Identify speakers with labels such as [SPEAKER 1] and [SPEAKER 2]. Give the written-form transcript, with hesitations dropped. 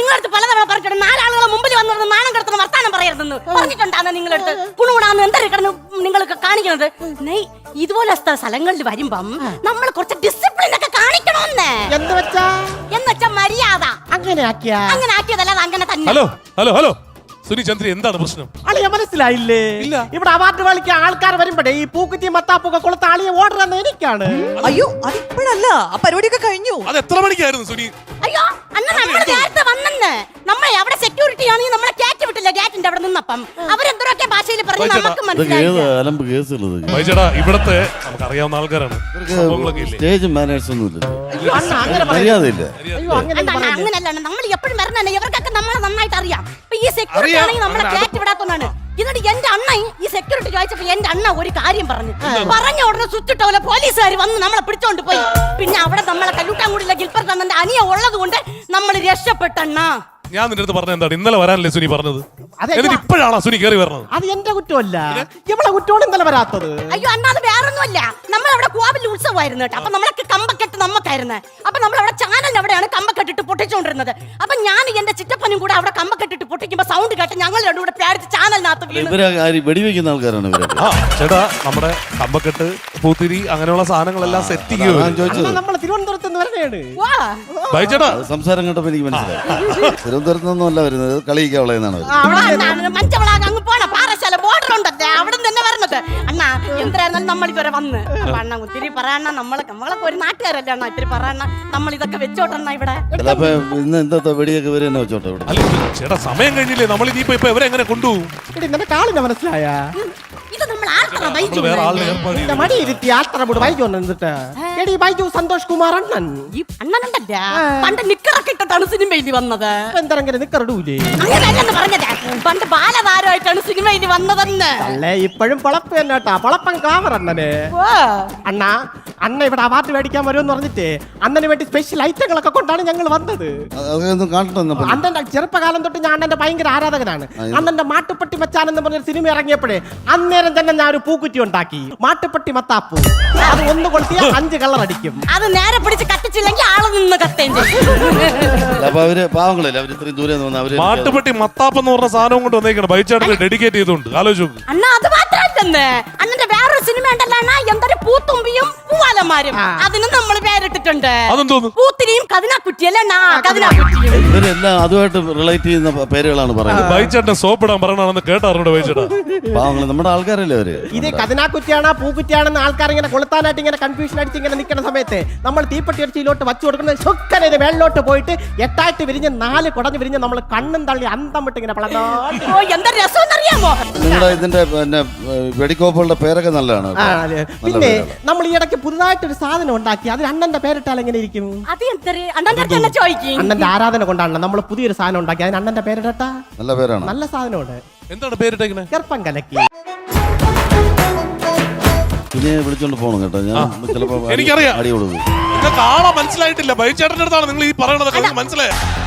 [SPEAKER 1] നിങ്ങളടുത്ത് പലതവണ പറഞ്ഞിട്ടുണ്ട് 4 ആളുകളെ മുമ്പിൽ വന്നിരുന്ന് നാണം കെടുത്തുന്ന വർത്താനം പറയരുതെന്ന് പറഞ്ഞിട്ടുണ്ടാന്ന് നിങ്ങളടുത്ത്. കുണുകുണാന്ന് എന്തൊരു നിങ്ങൾക്ക് കാണിക്കുന്നത്. ഇതുപോലെ സ്ഥലങ്ങളിൽ വരുമ്പം നമ്മൾ കുറച്ച് ഡിസിപ്ലിൻ ഒക്കെ കാണിക്കണമെന്ന്. എന്നുവെച്ചാ മര്യാദ അങ്ങനെ ആക്കിയതല്ല, അങ്ങനെ തന്നെ.
[SPEAKER 2] Hello hello hello Suni Chandri, എന്താണ് പ്രശ്നം?
[SPEAKER 3] അളിയ മനസ്സിലായില്ലേ? ഇവിടെ അവാർഡ് കളിക്കാൻ ആൾക്കാർ വരുമ്പോഴേ ഈ പൂക്കുറ്റി മത്താപ്പൊക്കെ കൊളുത്ത അളിയെ ഓർഡർ തന്നെ എനിക്കാണ്.
[SPEAKER 4] അയ്യോ അതിപ്പോഴല്ല, ആ പരിപാടിയൊക്കെ കഴിഞ്ഞു.
[SPEAKER 2] അത് എത്ര മണിക്കായിരുന്നു സുനി?
[SPEAKER 1] അയ്യോ അന്ന് നമ്മൾ നേരത്തെ വന്നെന്ന്. നമ്മൾ അവിടെ സെക്യൂരിറ്റി ആണെങ്കിൽ നമ്മളെ കയറ്റി വിട്ടില്ല. ഗേറ്റിന്റെ അവിടെ നിന്നപ്പം അവരെന്തോരൊക്കെ ഭാഷയിൽ പറഞ്ഞു നമുക്ക് മനസ്സിലായി.
[SPEAKER 2] ഇവിടത്തെ നമുക്ക് അറിയാവുന്ന ആൾക്കാരാണ്.
[SPEAKER 5] സ്റ്റേജ് മാനേഴ്സ് ഒന്നുമില്ല.
[SPEAKER 1] അങ്ങനല്ല, നമ്മൾ എപ്പോഴും വരണല്ലേ, ഇവർക്കൊക്കെ നമ്മളെ നന്നായിട്ട് അറിയാം. ഈ സെക്യൂരിറ്റി ആണെങ്കിൽ നമ്മളെ കയറ്റി വിടാത്തതാണ്. എന്നിട്ട് എന്റെ അണ്ണ ഈ സെക്യൂരിറ്റി ചോദിച്ചപ്പോ എന്റെ അണ്ണ ഒരു കാര്യം പറഞ്ഞ ഉടനെ സ്വിച്ചിട്ട പോലെ പോലീസുകാർ വന്ന് നമ്മളെ പിടിച്ചോണ്ട് പോയി. പിന്നെ അവിടെ നമ്മളെ കല്ലൂട്ടാങ്കുടിയിലെ ഗിൽപ്പർ തന്നന്റെ അനിയ ഉള്ളത് കൊണ്ട് നമ്മൾ രക്ഷപ്പെട്ടണ്ണ.
[SPEAKER 2] ഞാൻ നിന്റെ അടുത്ത് പറഞ്ഞ എന്താണ്? ഇന്നലെ വരാനല്ലേ സുനി പറഞ്ഞത്? എന്നിട്ട് ഇപ്പോഴാണോ സുനി കയറി വരണത്?
[SPEAKER 3] അത് എന്റെ കുറ്റമല്ല, ഇവളെ കുറ്റമാണ് ഇന്നലെ വരാത്തത്.
[SPEAKER 1] അയ്യോ അണ്ണാ, അത് വേറൊന്നുമല്ല. നമ്മളവിടെ കോവിൽ ഉത്സവമായിരുന്നു കേട്ടോ. അപ്പൊ നമ്മളൊക്കെ കമ്പക്കെട്ട് നമുക്കായിരുന്നു. അപ്പൊ നമ്മളവിടെ ചാനലിന് അവിടെയാണ് കമ്പക്കെട്ടിട്ട് പൊട്ടിച്ചോണ്ടിരുന്നത്. അപ്പൊ ഞാൻ എന്റെ ചിറ്റപ്പനും കൂടെ അവിടെ കമ്പക്കെട്ടിട്ട് പൊട്ടിക്കുമ്പോ സൗണ്ട് കേട്ട് ഞങ്ങൾ രണ്ടും കൂടെ പേടിച്ച് ചാനലിനകത്ത്
[SPEAKER 5] വെടിവെക്കുന്ന ആൾക്കാരാണ്
[SPEAKER 2] ചേട്ടാ. നമ്മുടെ കമ്പക്കെട്ട്, പൂത്തിരി, അങ്ങനെയുള്ള സാധനങ്ങളെല്ലാം സെറ്റ് ചെയ്യുക.
[SPEAKER 3] നമ്മള് തിരുവനന്തപുരത്ത് നിന്ന് വരണേണ്.
[SPEAKER 2] ബൈച്ചേട്ടാ
[SPEAKER 5] സംസാരം കേട്ടപ്പോ എനിക്ക് മനസ്സിലായി. തിരുവനന്തപുരത്ത് നിന്നല്ല വരുന്നത്, കളിയിക്കാവളെന്നാണ്.
[SPEAKER 1] മഞ്ചവളാക് പോണ പാറശാല ബോർഡർ ഉണ്ടല്ലേ, അവിടെ തന്നെ വരണത്. അണ്ണാ എന്തായിരുന്നാലും നമ്മൾ ഇതുവരെ വന്ന് അണ്ണ ഒത്തിരി പറയണ. നമ്മളൊക്കെ ഒരു നാട്ടുകാരല്ലേ അണ്ണാ, ഇത്തിരി പറയണ. നമ്മൾ ഇതൊക്കെ വെച്ചോട്ടെണ്ണ ഇവിടെ.
[SPEAKER 5] ഇന്ന് എന്താ വെടിയൊക്കെ വരെ തന്നെ വെച്ചോട്ടെ ഇവിടെ.
[SPEAKER 2] ചേട്ടാ സമയം കഴിഞ്ഞില്ലേ, നമ്മൾ ഇനിയിപ്പോ ഇവരെ എങ്ങനെ കൊണ്ടുപോകും?
[SPEAKER 3] കാളിനെ മനസ്സിലായ
[SPEAKER 1] ഇത് നമ്മൾ
[SPEAKER 3] സന്തോഷ് കുമാർ അണ്ണൻ
[SPEAKER 1] അണ്ണനുണ്ടല്ല, പണ്ട് നിക്കറൊക്കെ ഇട്ടിട്ടാണ് സിനിമയിൽ വന്നത്.
[SPEAKER 3] എന്തെങ്കിലും നിക്കറിടൂലേ?
[SPEAKER 1] അങ്ങനെയല്ലെന്ന് പറഞ്ഞത്, പണ്ട് ബാലതാരമായിട്ടാണ് സിനിമയിൽ വന്നതെന്ന്.
[SPEAKER 3] അല്ലേ ഇപ്പോഴും പൊളപ്പ് തന്നെ കേട്ടാ, പൊളപ്പൻ കാവർ അണ്ണന്. അണ്ണാ അണ്ണ ഇവിടെ അവാർഡ് മേടിക്കാൻ വരുമെന്ന് പറഞ്ഞിട്ട് അണ്ണന് വേണ്ടി സ്പെഷ്യൽ ഐറ്റങ്ങളൊക്കെ കൊണ്ടാണ് ഞങ്ങൾ വന്നത്. അണ്ണന്റെ ചെറുപ്പകാലം തൊട്ട് ഞാൻ അണ്ണന്റെ ഭയങ്കര ആരാധകനാണ്. അണ്ണന്റെ മാട്ടുപ്പെട്ടി മച്ചാൻ എന്ന് പറഞ്ഞ സിനിമ ഇറങ്ങിയപ്പോഴേ അന്നേരം തന്നെ ഞാൻ ഒരു പൂക്കുറ്റി ഉണ്ടാക്കി, മാട്ടുപ്പെട്ടി മത്താപ്പൂ. അത് ഒന്ന് കൊളുത്തിയ 5 കളർ അടിക്കും.
[SPEAKER 1] അത് നേരെ പിടിച്ച് കത്തിച്ചില്ലെങ്കിൽ ആള് നിന്ന് കത്തേം
[SPEAKER 2] മാട്ടുപ്പെട്ടി മത്താപ്പെന്ന് പറഞ്ഞ സാധനം കൊണ്ട് വന്നേക്കണം. ബൈച്ചേട്ടന് ഡെഡിക്കേറ്റ് ചെയ്തുകൊണ്ട് ആലോചിച്ചു.
[SPEAKER 1] അണ്ണാ അത് മാത്രമല്ലെന്ന്, അണ്ണന്റെ വേറൊരു സിനിമ ഉണ്ടല്ലോ, എന്തൊരു പൂത്തുമ്പിയും പൂവാലന്മാരും. അതിന് നമ്മൾ പേരിട്ടിട്ടുണ്ട്. പൂത്തിരിയും കതിനാക്കുറ്റിയല്ലേ,
[SPEAKER 5] ഇവരെല്ലാം അതുമായിട്ട് റിലേറ്റ് ചെയ്യുന്ന പേരുകളാണ് പറയുന്നത്.
[SPEAKER 2] ബൈച്ചേട്ടൻ സോപ്പിടാൻ പറയണമെന്ന് കേട്ടാറുണ്ട് ബൈച്ചേട്ടാ.
[SPEAKER 5] പാവങ്ങള് നമ്മുടെ ആൾക്കാരല്ലേ അവര്.
[SPEAKER 3] ഇത് കതിനാക്കുറ്റിയാണോ പൂക്കുറ്റിയാണെന്ന് ആൾക്കാർ ഇങ്ങനെ കൊളുത്താനായിട്ട് ഇങ്ങനെ കൺഫ്യൂഷൻ അടിച്ച് ഇങ്ങനെ നിൽക്കുന്ന സമയത്ത് നമ്മൾ തീപ്പെട്ടി അടിച്ചിലോട്ട് വച്ചു കൊടുക്കുന്നത് ചൊക്കനെ ഇത് വെള്ളോട്ട് പോയിട്ട് 8 വിരിഞ്ഞ് 4 കുടഞ്ഞ് വിരിഞ്ഞ് നമ്മൾ കണ്ണും തള്ളി അന്തം വിട്ട് ഇങ്ങനെ
[SPEAKER 1] എന്താ രസം അറിയാമോ?
[SPEAKER 5] നിങ്ങളുടെ ഇതിന്റെ പിന്നെ വെടിക്കോപ്പുകളുടെ പേരൊക്കെ നല്ലതാണ്.
[SPEAKER 3] പിന്നെ നമ്മൾ ഈ ഇടയ്ക്ക് പുതുതായിട്ടൊരു സാധനം ഉണ്ടാക്കി, അത് അണ്ണന്റെ പേരിട്ടാൽ എങ്ങനെ ഇരിക്കും? അണ്ണന്റെ ആരാധന കൊണ്ടാണല്ലോ നമ്മൾ പുതിയൊരു സാധനം ഉണ്ടാക്കി, അതിന് അണ്ണന്റെ പേരിട്ടാ
[SPEAKER 5] നല്ല പേരാണ്.
[SPEAKER 3] നല്ല സാധനമുണ്ട്.
[SPEAKER 2] എന്താണ് പേരിട്ടേക്കുന്നത്?
[SPEAKER 3] ഗർഭം കലക്കി.
[SPEAKER 5] പിന്നെ വിളിച്ചോണ്ട് പോകണം കേട്ടോ, ഞാൻ ചിലപ്പോ
[SPEAKER 2] എനിക്കറിയാം.
[SPEAKER 5] അടി കൊടുക്കും.
[SPEAKER 2] നിങ്ങൾക്ക് ആളെ മനസ്സിലായിട്ടില്ല. ബൈച്ചേട്ടന്റെ അടുത്താണ് നിങ്ങൾ ഈ പറയണതൊക്കെ മനസ്സിലായി.